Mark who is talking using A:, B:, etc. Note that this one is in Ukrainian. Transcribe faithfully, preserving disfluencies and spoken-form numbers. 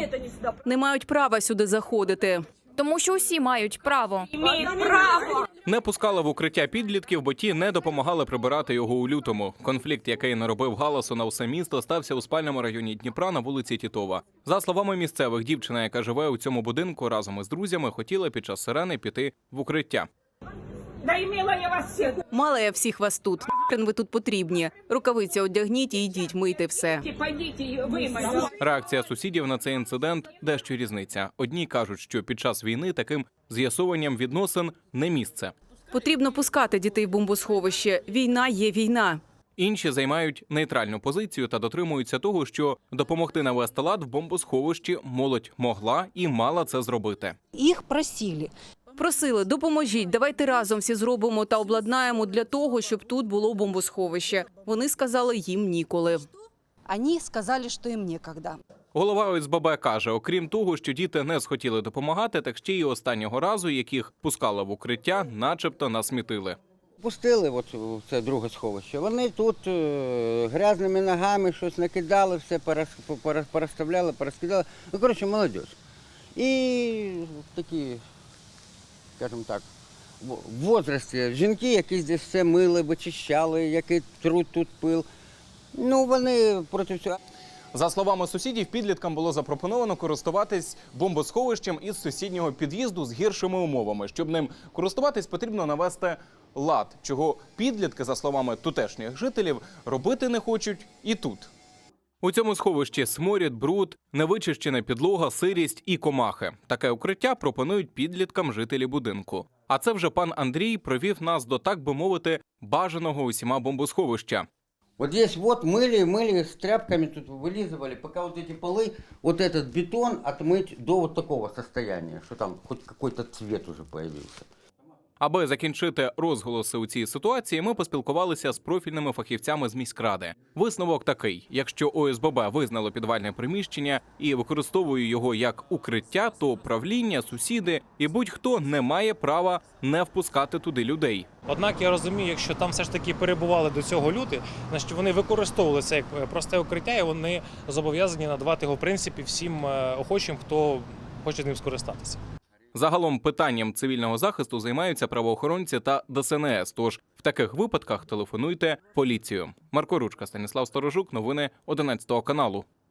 A: Не мають права сюди заходити.
B: Тому що усі мають право.
C: Не пускали в укриття підлітків, бо ті не допомагали прибирати його у лютому. Конфлікт, який наробив галасу на все місто, стався у спальному районі Дніпра на вулиці Тітова. За словами місцевих, дівчина, яка живе у цьому будинку, разом із друзями хотіла під час сирени піти в укриття.
D: Да имела я вас всех.
A: Мала я всіх вас тут. Хрен ви тут потрібні. Рукавиці одягніть і йдіть, мийте все.
D: Пойдите, вымойте.
C: Реакція сусідів на цей інцидент дещо різниця. Одні кажуть, що під час війни таким з'ясуванням відносин не місце.
A: Потрібно пускати дітей в бомбосховище. Війна є війна.
C: Інші займають нейтральну позицію та дотримуються того, що допомогти навести лад в бомбосховищі молодь могла і мала це зробити.
E: Их просили.
A: Просили, допоможіть, давайте разом всі зробимо та обладнаємо для того, щоб тут було бомбосховище. Вони сказали, їм ніколи.
E: Они сказали, что им некогда.
C: Голова О С Б Б каже, окрім того, що діти не схотіли допомагати, так ще й останнього разу, яких пускали в укриття, начебто насмітили.
F: Пустили от у це друге сховище. Вони тут е, грязними ногами щось накидали, все перес- перес- переставляли, перескидали. Ну, коротше, молодь. І такі, скажімо так, в в возрасті жінки, які здесь все мили, вичищали, який труд тут пил. Ну, вони проти всього.
C: За словами сусідів, підліткам було запропоновано користуватись бомбосховищем із сусіднього під'їзду з гіршими умовами. Щоб ним користуватись, потрібно навести лад, чого підлітки, за словами тутешніх жителів, робити не хочуть і тут. У цьому сховищі сморід, бруд, невичищена підлога, сирість і комахи. Таке укриття пропонують підліткам жителі будинку. А це вже пан Андрій провів нас до, так би мовити, бажаного усіма бомбосховища.
F: Вот здесь вот мыли, мыли с тряпками, тут вылизывали, пока вот эти полы, вот этот бетон отмыть до вот такого состояния, что там хоть какой-то цвет уже появился.
C: Аби закінчити розголоси у цій ситуації, ми поспілкувалися з профільними фахівцями з міськради. Висновок такий: якщо О С Б Б визнало підвальне приміщення і використовує його як укриття, то правління, сусіди і будь-хто не має права не впускати туди людей.
G: Однак я розумію, якщо там все ж таки перебували до цього люди, значить вони використовували це як просте укриття, і вони зобов'язані надавати його в принципі всім охочим, хто хоче ним скористатися.
C: Загалом питанням цивільного захисту займаються правоохоронці та Д С Н С, тож в таких випадках телефонуйте в поліцію. Марко Ручка, Станіслав Сторожук, новини одинадцятого каналу.